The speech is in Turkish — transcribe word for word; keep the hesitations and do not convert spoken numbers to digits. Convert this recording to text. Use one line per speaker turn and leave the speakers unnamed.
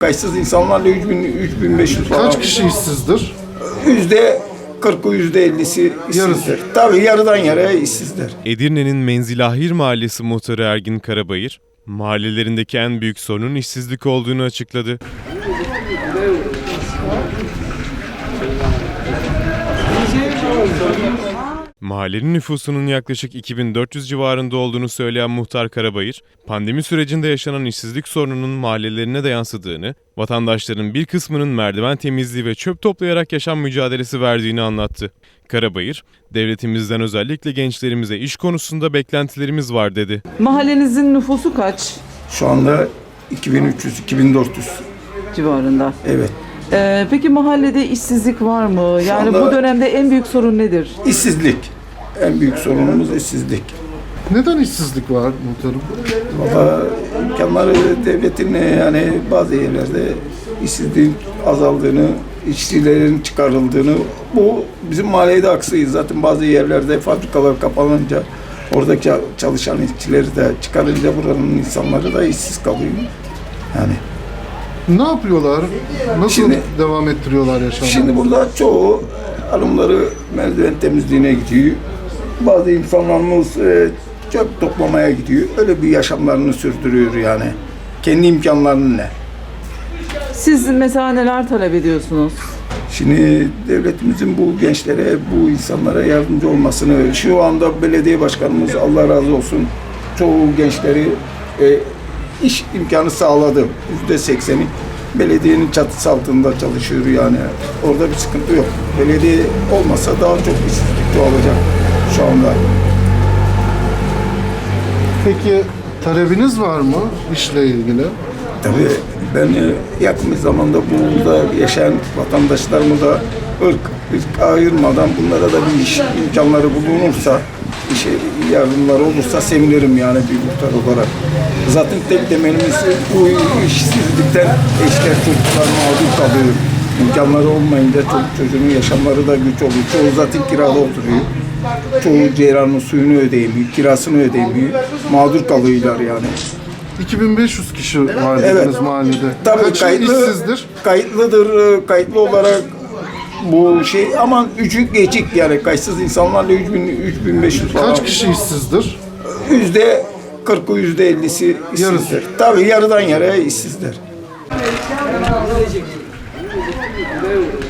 Kayıtsız insanlarla üç bin, üç bin beş yüz falan.
Kaç kişi işsizdir?
Yüzde kırkı, yüzde ellisi işsizdir. Tabii yarıdan yarıya işsizler.
Edirne'nin Menzilahir Mahallesi muhtarı Ergin Karabayır, mahallelerindeki en büyük sorunun işsizlik olduğunu açıkladı. Mahallenin nüfusunun yaklaşık iki bin dört yüz civarında olduğunu söyleyen muhtar Karabayır, pandemi sürecinde yaşanan işsizlik sorununun mahallelerine de yansıdığını, vatandaşların bir kısmının merdiven temizliği ve çöp toplayarak yaşam mücadelesi verdiğini anlattı. Karabayır, devletimizden özellikle gençlerimize iş konusunda beklentilerimiz var dedi.
Mahallenizin nüfusu kaç
Şu anda iki bin üç yüz, iki bin dört yüz.
civarında?
Evet.
Ee, peki mahallede işsizlik var mı? Yani
anda-
bu dönemde en büyük sorun nedir?
İşsizlik. En büyük sorunumuz işsizlik.
Neden işsizlik var muhtarım?
Valla imkanları devletin yani bazı yerlerde işsizliğin azaldığını, işçilerin çıkarıldığını, bu bizim mahallede aksıyız. Zaten bazı yerlerde fabrikalar kapanınca oradaki çalışan işçileri de çıkarınca buranın insanları da işsiz kalıyor. Yani
Ne yapıyorlar? Nasıl
Şimdi-
devam ettiriyorlar yaşamını?
şimdi burada çoğu hanımları merdiven temizliğine gidiyor. Bazı insanlarımız e, çöp toplamaya gidiyor. Öyle bir yaşamlarını sürdürüyor yani. Kendi imkanlarıyla.
Siz mesela neler talep ediyorsunuz?
Şimdi devletimizin bu gençlere, bu insanlara yardımcı olmasını, şu anda belediye başkanımız Allah razı olsun çoğu gençleri e, iş imkanı sağladı. Yüzde sekseni belediyenin çatısı altında çalışıyor yani. Orada bir sıkıntı yok. Belediye olmasa daha çok işsizlik olacak şu anda.
Peki talebiniz var mı işle ilgili?
Tabii ben e, yakın bir zamanda burada yaşayan vatandaşlarımıza ırk, ırk ayırmadan bunlara da bir iş imkanları bulunursa, işe yardımları olursa sevinirim yani bir muhtar olarak. Zaten tek temelimiz bu işsizlikten eşler çocuklar mağdur kalıyor. İmkanları olmayınca çocuk çocuğun yaşamları da güç oluyor. Çoğu zaten kirada oturuyor. Çoğu ceyranın suyunu ödeyemiyor, kirasını ödeyemiyor. Mağdur kalıyorlar yani.
iki bin beş yüz kişi var dediniz
Evet.
mahallede.
Tabii
Kaçı
kayıtlı,
işsizdir?
kayıtlıdır, e, kayıtlı olarak bu şey ama üçü geçik yani kayıtsız insanlarla üç bin, üç bin beş yüz falan.
Kaç kişi işsizdir?
Yüzde kırkı, yüzde ellisi işsizler.
Yarısı.
Tabii yarıdan yarıya işsizler.